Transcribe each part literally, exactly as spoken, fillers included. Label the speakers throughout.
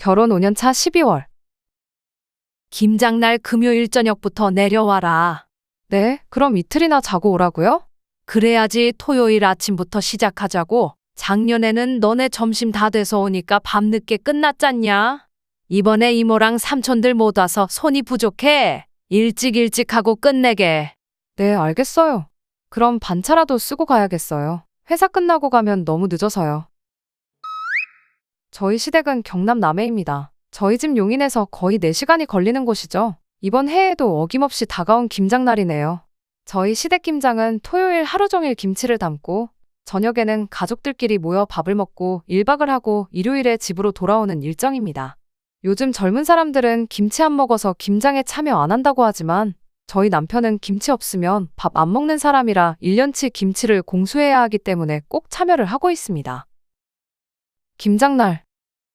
Speaker 1: 결혼 오 년 차 십이월.
Speaker 2: 김장날 금요일 저녁부터 내려와라.
Speaker 1: 네, 그럼 이틀이나 자고 오라고요?
Speaker 2: 그래야지 토요일 아침부터 시작하자고. 작년에는 너네 점심 다 돼서 오니까 밤늦게 끝났잖냐? 이번에 이모랑 삼촌들 못 와서 손이 부족해. 일찍 일찍 하고 끝내게.
Speaker 1: 네, 알겠어요. 그럼 반차라도 쓰고 가야겠어요. 회사 끝나고 가면 너무 늦어서요. 저희 시댁은 경남 남해입니다. 저희 집 용인에서 거의 네 시간이 걸리는 곳이죠. 이번 해에도 어김없이 다가온 김장날이네요. 저희 시댁 김장은 토요일 하루 종일 김치를 담고 저녁에는 가족들끼리 모여 밥을 먹고 일 박을 하고 일요일에 집으로 돌아오는 일정입니다. 요즘 젊은 사람들은 김치 안 먹어서 김장에 참여 안 한다고 하지만 저희 남편은 김치 없으면 밥 안 먹는 사람이라 일 년치 김치를 공수해야 하기 때문에 꼭 참여를 하고 있습니다. 김장날.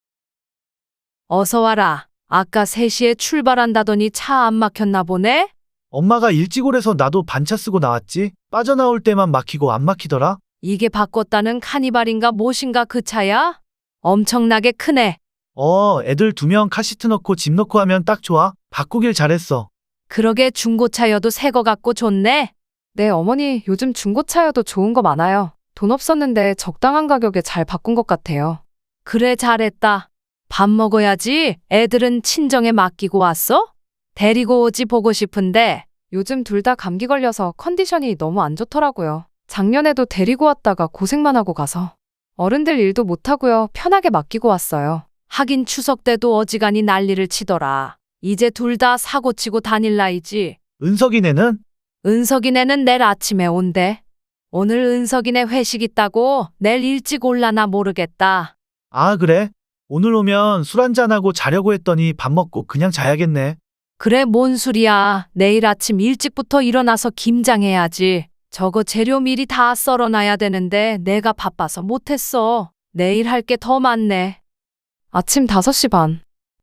Speaker 2: 어서 와라. 아까 세 시에 출발한다더니 차 안 막혔나 보네?
Speaker 3: 엄마가 일찍 오래서 나도 반차 쓰고 나왔지. 빠져나올 때만 막히고 안 막히더라.
Speaker 2: 이게 바꿨다는 카니발인가 무엇인가 그 차야? 엄청나게 크네.
Speaker 3: 어, 애들 두 명 카시트 넣고 짐 넣고 하면 딱 좋아. 바꾸길 잘했어.
Speaker 2: 그러게 중고차여도 새 거 같고 좋네.
Speaker 1: 네, 어머니 요즘 중고차여도 좋은 거 많아요. 돈 없었는데 적당한 가격에 잘 바꾼 것 같아요.
Speaker 2: 그래 잘했다. 밥 먹어야지. 애들은 친정에 맡기고 왔어? 데리고 오지 보고 싶은데.
Speaker 1: 요즘 둘 다 감기 걸려서 컨디션이 너무 안 좋더라고요. 작년에도 데리고 왔다가 고생만 하고 가서. 어른들 일도 못하고요. 편하게 맡기고 왔어요.
Speaker 2: 하긴 추석 때도 어지간히 난리를 치더라. 이제 둘 다 사고치고 다닐 나이지.
Speaker 3: 은석이네는?
Speaker 2: 은석이네는 내일 아침에 온대. 오늘 은석이네 회식 있다고 내일 일찍 올라나 모르겠다.
Speaker 3: 아, 그래? 오늘 오면 술 한잔하고 자려고 했더니 밥 먹고 그냥 자야겠네.
Speaker 2: 그래 뭔 소리야. 내일 아침 일찍부터 일어나서 김장해야지. 저거 재료 미리 다 썰어놔야 되는데 내가 바빠서 못했어. 내일 할 게 더 많네.
Speaker 1: 아침 다섯 시 반.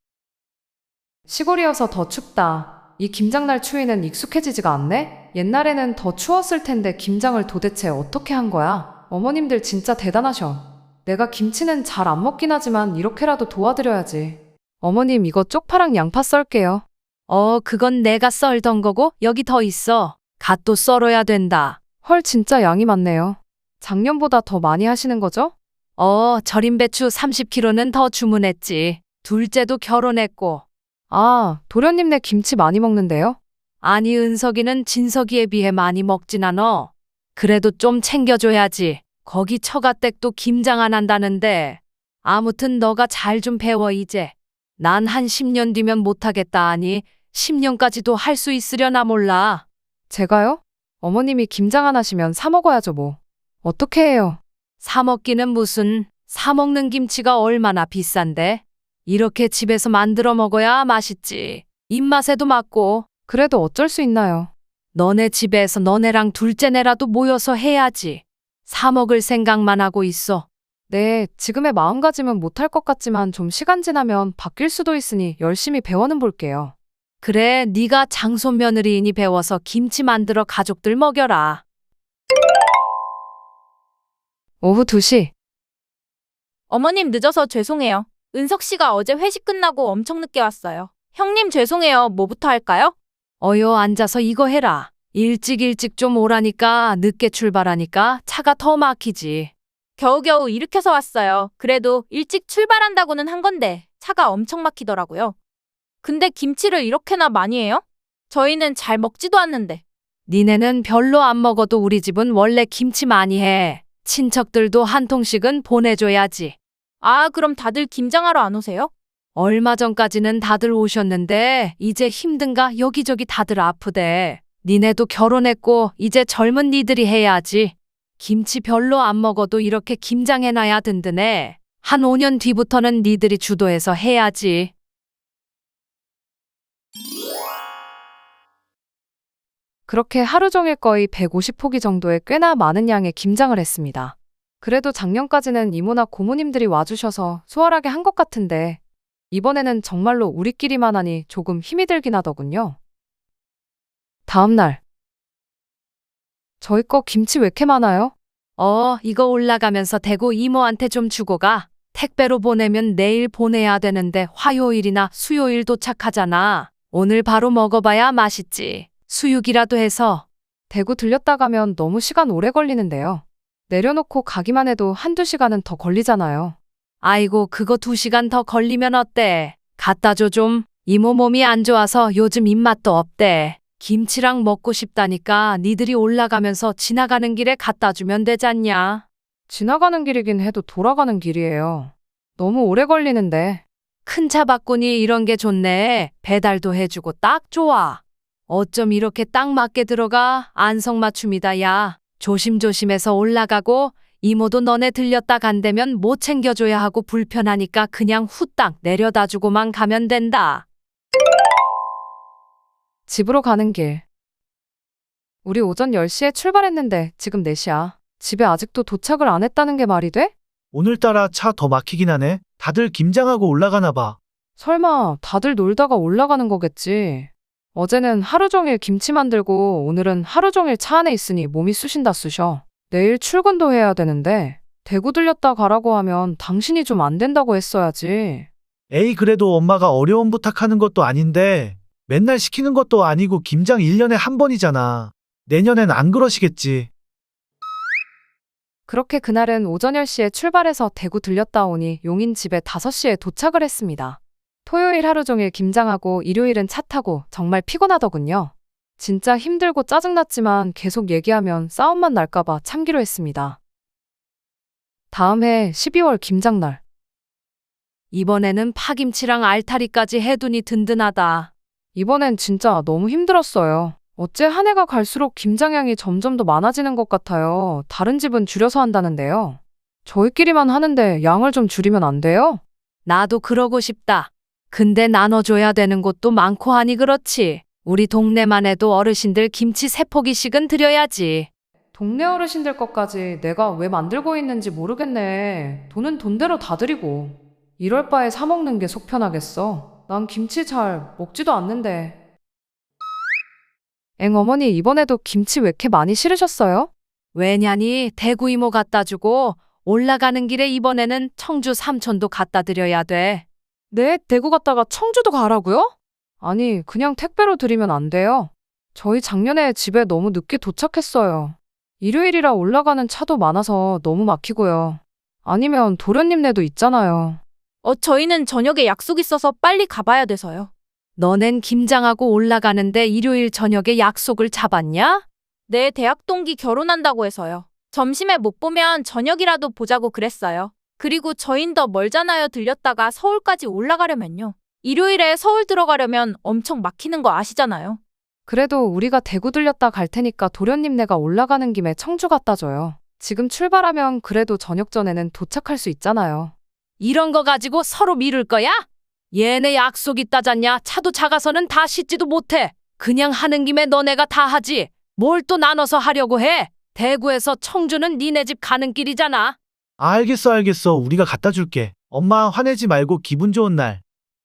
Speaker 1: 시골이어서 더 춥다. 이 김장날 추위는 익숙해지지가 않네? 옛날에는 더 추웠을 텐데 김장을 도대체 어떻게 한 거야? 어머님들 진짜 대단하셔. 내가 김치는 잘 안 먹긴 하지만 이렇게라도 도와드려야지. 어머님 이거 쪽파랑 양파 썰게요.
Speaker 2: 어, 그건 내가 썰던 거고 여기 더 있어. 갓도 썰어야 된다.
Speaker 1: 헐 진짜 양이 많네요. 작년보다 더 많이 하시는 거죠?
Speaker 2: 어, 절임 배추 삼십 킬로그램는 더 주문했지. 둘째도 결혼했고.
Speaker 1: 아, 도련님네 김치 많이 먹는데요?
Speaker 2: 아니 은석이는 진석이에 비해 많이 먹진 않어. 그래도 좀 챙겨줘야지. 거기 처가댁도 김장 안 한다는데. 아무튼 너가 잘 좀 배워 이제. 난 한 십 년 뒤면 못하겠다 하니 십 년까지도 할 수 있으려나 몰라.
Speaker 1: 제가요? 어머님이 김장 안 하시면 사 먹어야죠 뭐. 어떻게 해요?
Speaker 2: 사 먹기는 무슨. 사 먹는 김치가 얼마나 비싼데. 이렇게 집에서 만들어 먹어야 맛있지. 입맛에도 맞고.
Speaker 1: 그래도 어쩔 수 있나요?
Speaker 2: 너네 집에서 너네랑 둘째네라도 모여서 해야지. 사 먹을 생각만 하고 있어.
Speaker 1: 네, 지금의 마음가짐은 못할 것 같지만 좀 시간 지나면 바뀔 수도 있으니 열심히 배워는 볼게요.
Speaker 2: 그래, 네가 장손 며느리이니 배워서 김치 만들어 가족들 먹여라.
Speaker 1: 오후 두 시.
Speaker 4: 어머님 늦어서 죄송해요. 은석 씨가 어제 회식 끝나고 엄청 늦게 왔어요. 형님 죄송해요. 뭐부터 할까요?
Speaker 2: 어여 앉아서 이거 해라. 일찍 일찍 좀 오라니까 늦게 출발하니까 차가 더 막히지.
Speaker 4: 겨우겨우 일으켜서 왔어요. 그래도 일찍 출발한다고는 한 건데 차가 엄청 막히더라고요. 근데 김치를 이렇게나 많이 해요? 저희는 잘 먹지도 않는데.
Speaker 2: 니네는 별로 안 먹어도 우리 집은 원래 김치 많이 해. 친척들도 한 통씩은 보내줘야지.
Speaker 4: 아, 그럼 다들 김장하러 안 오세요?
Speaker 2: 얼마 전까지는 다들 오셨는데 이제 힘든가 여기저기 다들 아프대. 니네도 결혼했고 이제 젊은 니들이 해야지. 김치 별로 안 먹어도 이렇게 김장해놔야 든든해. 한 오 년 뒤부터는 니들이 주도해서 해야지.
Speaker 1: 그렇게 하루 종일 거의 백오십 포기 정도의 꽤나 많은 양의 김장을 했습니다. 그래도 작년까지는 이모나 고모님들이 와주셔서 수월하게 한 것 같은데 이번에는 정말로 우리끼리만 하니 조금 힘이 들긴 하더군요. 다음 날. 저희 거 김치 왜 이렇게 많아요?
Speaker 2: 어, 이거 올라가면서 대구 이모한테 좀 주고 가. 택배로 보내면 내일 보내야 되는데 화요일이나 수요일 도착하잖아. 오늘 바로 먹어봐야 맛있지. 수육이라도 해서.
Speaker 1: 대구 들렸다 가면 너무 시간 오래 걸리는데요. 내려놓고 가기만 해도 한두 시간은 더 걸리잖아요.
Speaker 2: 아이고, 그거 두 시간 더 걸리면 어때? 갖다 줘 좀. 이모 몸이 안 좋아서 요즘 입맛도 없대. 김치랑 먹고 싶다니까 니들이 올라가면서 지나가는 길에 갖다 주면 되잖냐.
Speaker 1: 지나가는 길이긴 해도 돌아가는 길이에요. 너무 오래 걸리는데.
Speaker 2: 큰 차 바꾸니 이런 게 좋네. 배달도 해주고 딱 좋아. 어쩜 이렇게 딱 맞게 들어가. 안성맞춤이다 야. 조심조심해서 올라가고 이모도 너네 들렸다 간다면 못 챙겨줘야 하고 불편하니까 그냥 후딱 내려다 주고만 가면 된다.
Speaker 1: 집으로 가는 길. 우리 오전 열 시에 출발했는데 지금 네 시야. 집에 아직도 도착을 안 했다는 게 말이 돼?
Speaker 3: 오늘따라 차 더 막히긴 하네. 다들 김장하고 올라가나 봐.
Speaker 1: 설마 다들 놀다가 올라가는 거겠지. 어제는 하루 종일 김치 만들고 오늘은 하루 종일 차 안에 있으니 몸이 쑤신다 쑤셔. 내일 출근도 해야 되는데 대구 들렸다 가라고 하면 당신이 좀 안 된다고 했어야지.
Speaker 3: 에이, 그래도 엄마가 어려운 부탁하는 것도 아닌데 맨날 시키는 것도 아니고 김장 일 년에 한 번이잖아. 내년엔 안 그러시겠지.
Speaker 1: 그렇게 그날은 오전 열 시에 출발해서 대구 들렸다 오니 용인 집에 다섯 시에 도착을 했습니다. 토요일 하루 종일 김장하고 일요일은 차 타고 정말 피곤하더군요. 진짜 힘들고 짜증났지만 계속 얘기하면 싸움만 날까봐 참기로 했습니다. 다음 해 십이월 김장날.
Speaker 2: 이번에는 파김치랑 알타리까지 해두니 든든하다.
Speaker 1: 이번엔 진짜 너무 힘들었어요. 어째 한 해가 갈수록 김장량이 점점 더 많아지는 것 같아요. 다른 집은 줄여서 한다는데요. 저희끼리만 하는데 양을 좀 줄이면 안 돼요?
Speaker 2: 나도 그러고 싶다. 근데 나눠줘야 되는 곳도 많고 하니 그렇지. 우리 동네만 해도 어르신들 김치 세 포기씩은 드려야지.
Speaker 1: 동네 어르신들 것까지 내가 왜 만들고 있는지 모르겠네. 돈은 돈대로 다 드리고. 이럴 바에 사 먹는 게 속 편하겠어. 난 김치 잘 먹지도 않는데. 엥 어머니 이번에도 김치 왜 이렇게 많이 실으셨어요?
Speaker 2: 왜냐니 대구 이모 갖다 주고 올라가는 길에 이번에는 청주 삼촌도 갖다 드려야 돼.
Speaker 1: 네, 대구 갔다가 청주도 가라고요? 아니, 그냥 택배로 드리면 안 돼요. 저희 작년에 집에 너무 늦게 도착했어요. 일요일이라 올라가는 차도 많아서 너무 막히고요. 아니면 도련님네도 있잖아요.
Speaker 4: 어, 저희는 저녁에 약속 있어서 빨리 가봐야 돼서요.
Speaker 2: 너넨 김장하고 올라가는데 일요일 저녁에 약속을 잡았냐?
Speaker 4: 내 대학 동기 결혼한다고 해서요. 점심에 못 보면 저녁이라도 보자고 그랬어요. 그리고 저흰 더 멀잖아요. 들렸다가 서울까지 올라가려면요. 일요일에 서울 들어가려면 엄청 막히는 거 아시잖아요.
Speaker 1: 그래도 우리가 대구 들렸다 갈 테니까 도련님네가 올라가는 김에 청주 갖다 줘요. 지금 출발하면 그래도 저녁 전에는 도착할 수 있잖아요.
Speaker 2: 이런 거 가지고 서로 미룰 거야? 얘네 약속 있다잖냐. 차도 작아서는 다 씻지도 못해. 그냥 하는 김에 너네가 다 하지. 뭘 또 나눠서 하려고 해. 대구에서 청주는 니네 집 가는 길이잖아.
Speaker 3: 아, 알겠어, 알겠어. 우리가 갖다 줄게. 엄마 화내지 말고 기분 좋은 날.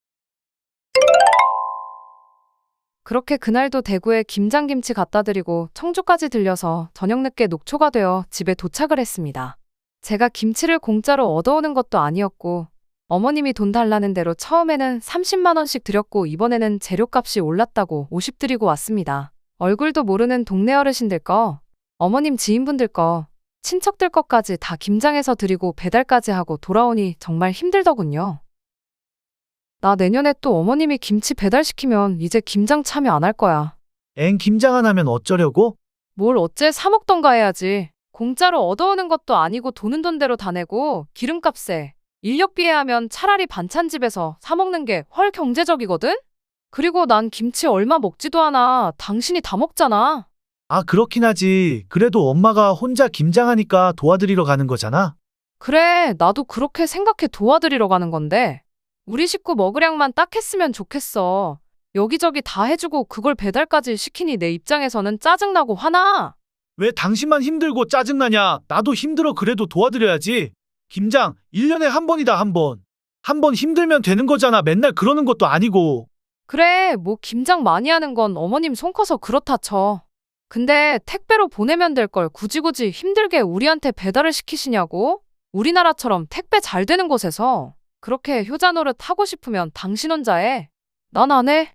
Speaker 1: 그렇게 그날도 대구에 김장김치 갖다 드리고 청주까지 들려서 저녁 늦게 녹초가 되어 집에 도착을 했습니다. 제가 김치를 공짜로 얻어오는 것도 아니었고 어머님이 돈 달라는 대로 처음에는 삼십만 원씩 드렸고 이번에는 재료값이 올랐다고 오십 드리고 왔습니다. 얼굴도 모르는 동네 어르신들 거, 어머님 지인분들 거, 친척들 것까지 다 김장해서 드리고 배달까지 하고 돌아오니 정말 힘들더군요. 나 내년에 또 어머님이 김치 배달시키면 이제 김장 참여 안 할 거야.
Speaker 3: 엥, 김장 안 하면 어쩌려고?
Speaker 1: 뭘 어째 사 먹던가 해야지. 공짜로 얻어오는 것도 아니고 돈은 돈대로 다 내고 기름값에 인력비에 하면 차라리 반찬집에서 사 먹는 게 훨 경제적이거든? 그리고 난 김치 얼마 먹지도 않아. 당신이 다 먹잖아.
Speaker 3: 아, 그렇긴 하지. 그래도 엄마가 혼자 김장하니까 도와드리러 가는 거잖아.
Speaker 1: 그래, 나도 그렇게 생각해 도와드리러 가는 건데 우리 식구 먹으량만 딱 했으면 좋겠어. 여기저기 다 해주고 그걸 배달까지 시키니 내 입장에서는 짜증나고 화나.
Speaker 3: 왜 당신만 힘들고 짜증나냐? 나도 힘들어. 그래도 도와드려야지. 김장 일 년에 한 번이다, 한 번. 한 번 힘들면 되는 거잖아. 맨날 그러는 것도 아니고.
Speaker 1: 그래, 뭐 김장 많이 하는 건 어머님 손 커서 그렇다 쳐. 근데 택배로 보내면 될 걸 굳이 굳이 힘들게 우리한테 배달을 시키시냐고? 우리나라처럼 택배 잘 되는 곳에서 그렇게 효자 노릇 하고 싶으면 당신 혼자 해. 난 안 해.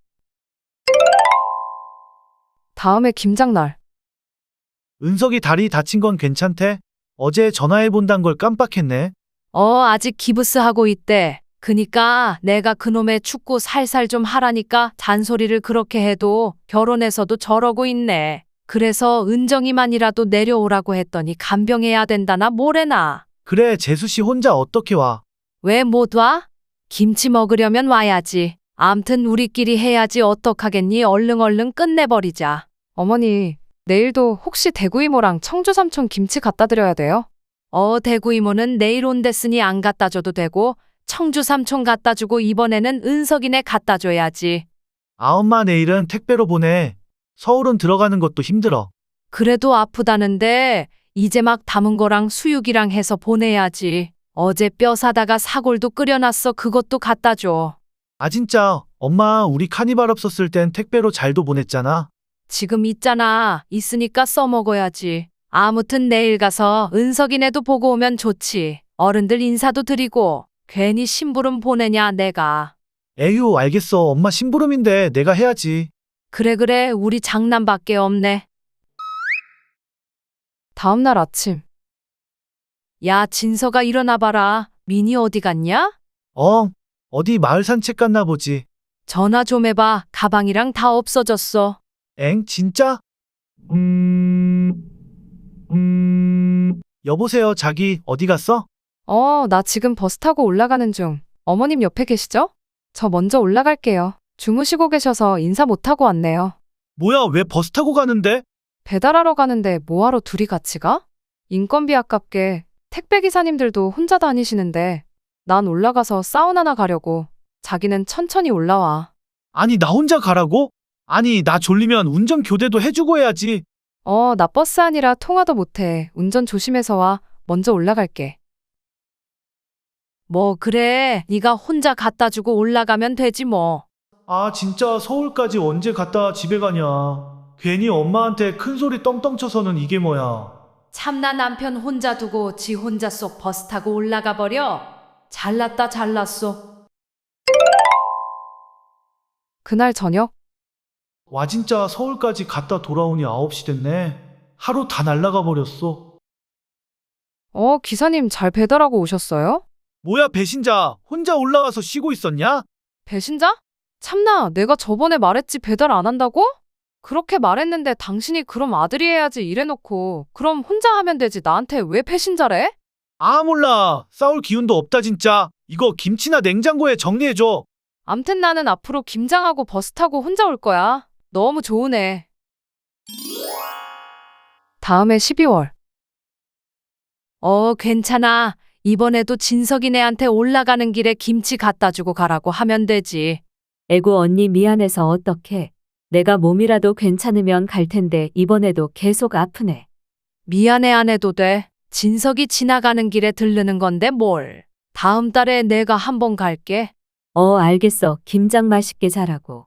Speaker 1: 다음에 김장날.
Speaker 3: 은석이 다리 다친 건 괜찮대? 어제 전화해 본단 걸 깜빡했네.
Speaker 2: 어, 아직 기부스 하고 있대. 그니까 내가 그놈의 축구 살살 좀 하라니까 잔소리를 그렇게 해도 결혼해서도 저러고 있네. 그래서 은정이만이라도 내려오라고 했더니 간병해야 된다나 뭐래나.
Speaker 3: 그래, 재수 씨 혼자 어떻게 와?
Speaker 2: 왜 못 와? 김치 먹으려면 와야지. 암튼 우리끼리 해야지 어떡하겠니? 얼른 얼른 끝내버리자.
Speaker 1: 어머니, 내일도 혹시 대구 이모랑 청주 삼촌 김치 갖다 드려야 돼요?
Speaker 2: 어, 대구 이모는 내일 온댔으니 안 갖다 줘도 되고 청주 삼촌 갖다 주고 이번에는 은석이네 갖다 줘야지.
Speaker 3: 아, 엄마 내일은 택배로 보내. 서울은 들어가는 것도 힘들어.
Speaker 2: 그래도 아프다는데 이제 막 담은 거랑 수육이랑 해서 보내야지. 어제 뼈 사다가 사골도 끓여놨어. 그것도 갖다 줘.
Speaker 3: 아, 진짜 엄마 우리 카니발 없었을 땐 택배로 잘도 보냈잖아.
Speaker 2: 지금 있잖아. 있으니까 써먹어야지. 아무튼 내일 가서 은석이네도 보고 오면 좋지. 어른들 인사도 드리고. 괜히 심부름 보내냐 내가.
Speaker 3: 에휴, 알겠어. 엄마 심부름인데 내가 해야지.
Speaker 2: 그래 그래 우리 장난밖에 없네.
Speaker 1: 다음날 아침.
Speaker 2: 야 진서가 일어나 봐라. 미니 어디 갔냐?
Speaker 3: 어, 어디 마을 산책 갔나 보지.
Speaker 2: 전화 좀 해봐. 가방이랑 다 없어졌어.
Speaker 3: 엥, 진짜? 음... 음... 여보세요, 자기 어디 갔어?
Speaker 1: 어, 나 지금 버스 타고 올라가는 중. 어머님 옆에 계시죠? 저 먼저 올라갈게요. 주무시고 계셔서 인사 못하고 왔네요.
Speaker 3: 뭐야, 왜 버스 타고 가는데?
Speaker 1: 배달하러 가는데 뭐하러 둘이 같이 가? 인건비 아깝게 택배기사님들도 혼자 다니시는데 난 올라가서 사우나나 가려고. 자기는 천천히 올라와.
Speaker 3: 아니, 나 혼자 가라고? 아니, 나 졸리면 운전 교대도 해주고 해야지.
Speaker 1: 어, 나 버스 아니라 통화도 못해. 운전 조심해서 와. 먼저 올라갈게.
Speaker 2: 뭐 그래. 네가 혼자 갖다 주고 올라가면 되지 뭐.
Speaker 3: 아, 진짜 서울까지 언제 갔다 집에 가냐. 괜히 엄마한테 큰 소리 떵떵 쳐서는 이게 뭐야.
Speaker 2: 참나 남편 혼자 두고 지 혼자 쏙 버스 타고 올라가 버려. 잘났다 잘났어.
Speaker 1: 그날 저녁.
Speaker 3: 와, 진짜 서울까지 갔다 돌아오니 아홉 시 됐네. 하루 다 날라가 버렸어.
Speaker 1: 어, 기사님 잘 배달하고 오셨어요?
Speaker 3: 뭐야, 배신자. 혼자 올라와서 쉬고 있었냐?
Speaker 1: 배신자? 참나, 내가 저번에 말했지 배달 안 한다고? 그렇게 말했는데 당신이 그럼 아들이 해야지 이래놓고 그럼 혼자 하면 되지 나한테 왜 배신자래?
Speaker 3: 아, 몰라. 싸울 기운도 없다 진짜. 이거 김치나 냉장고에 정리해줘.
Speaker 1: 암튼 나는 앞으로 김장하고 버스 타고 혼자 올 거야. 너무 좋으네. 다음해 십이월.
Speaker 2: 어 괜찮아. 이번에도 진석이네한테 올라가는 길에 김치 갖다 주고 가라고 하면 되지.
Speaker 5: 에고 언니 미안해서 어떡해. 내가 몸이라도 괜찮으면 갈 텐데 이번에도 계속 아프네.
Speaker 2: 미안해 안 해도 돼. 진석이 지나가는 길에 들르는 건데 뭘. 다음 달에 내가 한번 갈게.
Speaker 5: 어, 알겠어. 김장 맛있게 잘하고.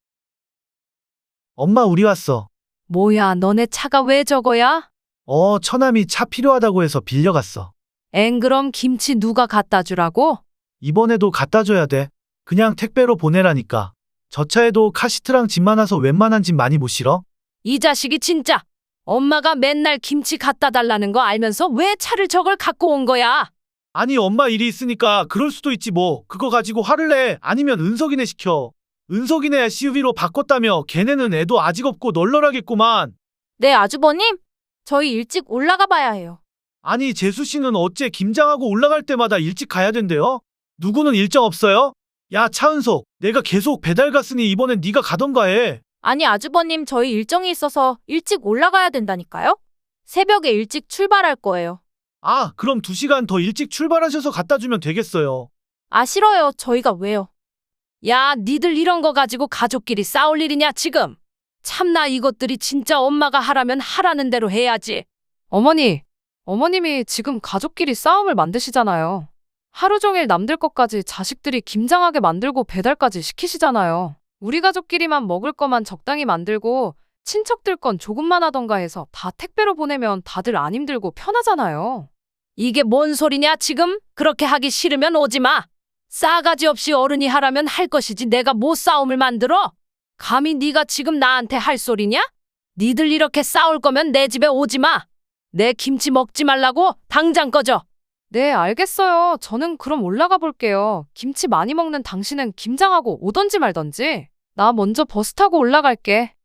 Speaker 3: 엄마, 우리 왔어.
Speaker 2: 뭐야 너네 차가 왜 저거야?
Speaker 3: 어, 처남이 차 필요하다고 해서 빌려갔어.
Speaker 2: 엥 그럼 김치 누가 갖다 주라고?
Speaker 3: 이번에도 갖다 줘야 돼. 그냥 택배로 보내라니까. 저 차에도 카시트랑 짐 많아서 웬만한 짐 많이 못 실어?
Speaker 2: 이 자식이 진짜. 엄마가 맨날 김치 갖다 달라는 거 알면서 왜 차를 저걸 갖고 온 거야?
Speaker 3: 아니, 엄마 일이 있으니까 그럴 수도 있지 뭐. 그거 가지고 화를 내. 아니면 은석이네 시켜. 은석이네 에스유브이로 바꿨다며. 걔네는 애도 아직 없고 널널하겠구만.
Speaker 4: 네, 아주버님. 저희 일찍 올라가 봐야 해요.
Speaker 3: 아니, 재수 씨는 어째 김장하고 올라갈 때마다 일찍 가야 된대요? 누구는 일정 없어요? 야, 차은석, 내가 계속 배달 갔으니 이번엔 네가 가던가 해.
Speaker 4: 아니, 아주버님, 저희 일정이 있어서 일찍 올라가야 된다니까요? 새벽에 일찍 출발할 거예요.
Speaker 3: 아, 그럼 두 시간 더 일찍 출발하셔서 갖다 주면 되겠어요.
Speaker 4: 아, 싫어요. 저희가 왜요?
Speaker 2: 야 니들 이런 거 가지고 가족끼리 싸울 일이냐 지금. 참나 이것들이 진짜 엄마가 하라면 하라는 대로 해야지.
Speaker 1: 어머니, 어머님이 지금 가족끼리 싸움을 만드시잖아요. 하루 종일 남들 것까지 자식들이 김장하게 만들고 배달까지 시키시잖아요. 우리 가족끼리만 먹을 거만 적당히 만들고 친척들 건 조금만 하던가 해서 다 택배로 보내면 다들 안 힘들고 편하잖아요.
Speaker 2: 이게 뭔 소리냐 지금? 그렇게 하기 싫으면 오지 마. 싸가지 없이 어른이 하라면 할 것이지 내가 뭐 싸움을 만들어? 감히 네가 지금 나한테 할 소리냐? 니들 이렇게 싸울 거면 내 집에 오지 마. 내 김치 먹지 말라고 당장 꺼져.
Speaker 1: 네, 알겠어요. 저는 그럼 올라가 볼게요. 김치 많이 먹는 당신은 김장하고 오던지 말던지. 나 먼저 버스 타고 올라갈게.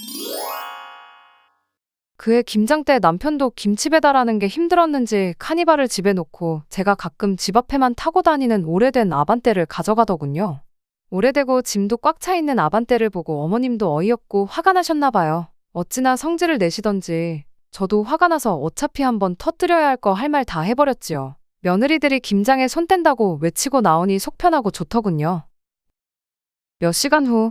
Speaker 1: 그해 김장 때 남편도 김치 배달하는 게 힘들었는지 카니발을 집에 놓고 제가 가끔 집 앞에만 타고 다니는 오래된 아반떼를 가져가더군요. 오래되고 짐도 꽉 차 있는 아반떼를 보고 어머님도 어이없고 화가 나셨나 봐요. 어찌나 성질을 내시던지 저도 화가 나서 어차피 한번 터뜨려야 할 거 할 말 다 해버렸지요. 며느리들이 김장에 손 뗀다고 외치고 나오니 속 편하고 좋더군요. 몇 시간 후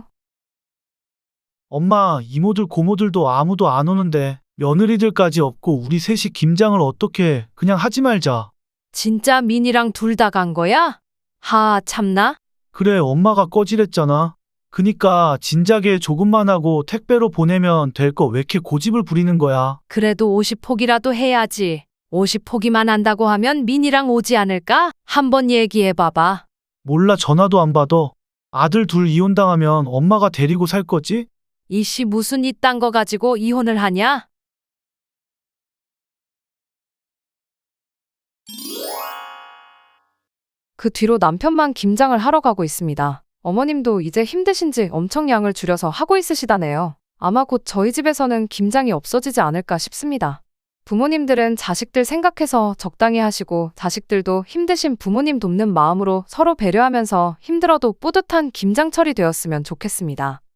Speaker 3: 엄마, 이모들 고모들도 아무도 안 오는데 며느리들까지 없고 우리 셋이 김장을 어떻게 해? 그냥 하지 말자.
Speaker 2: 진짜 민이랑 둘 다 간 거야? 하 참나?
Speaker 3: 그래, 엄마가 꺼지랬잖아. 그니까 진작에 조금만 하고 택배로 보내면 될 거 왜 이렇게 고집을 부리는 거야.
Speaker 2: 그래도 오십 포기라도 해야지. 오십 포기만 한다고 하면 민이랑 오지 않을까? 한번 얘기해 봐봐.
Speaker 3: 몰라, 전화도 안 받아. 아들 둘 이혼당하면 엄마가 데리고 살 거지?
Speaker 2: 이씨 무슨 이딴 거 가지고 이혼을 하냐?
Speaker 1: 그 뒤로 남편만 김장을 하러 가고 있습니다. 어머님도 이제 힘드신지 엄청 양을 줄여서 하고 있으시다네요. 아마 곧 저희 집에서는 김장이 없어지지 않을까 싶습니다. 부모님들은 자식들 생각해서 적당히 하시고 자식들도 힘드신 부모님 돕는 마음으로 서로 배려하면서 힘들어도 뿌듯한 김장철이 되었으면 좋겠습니다.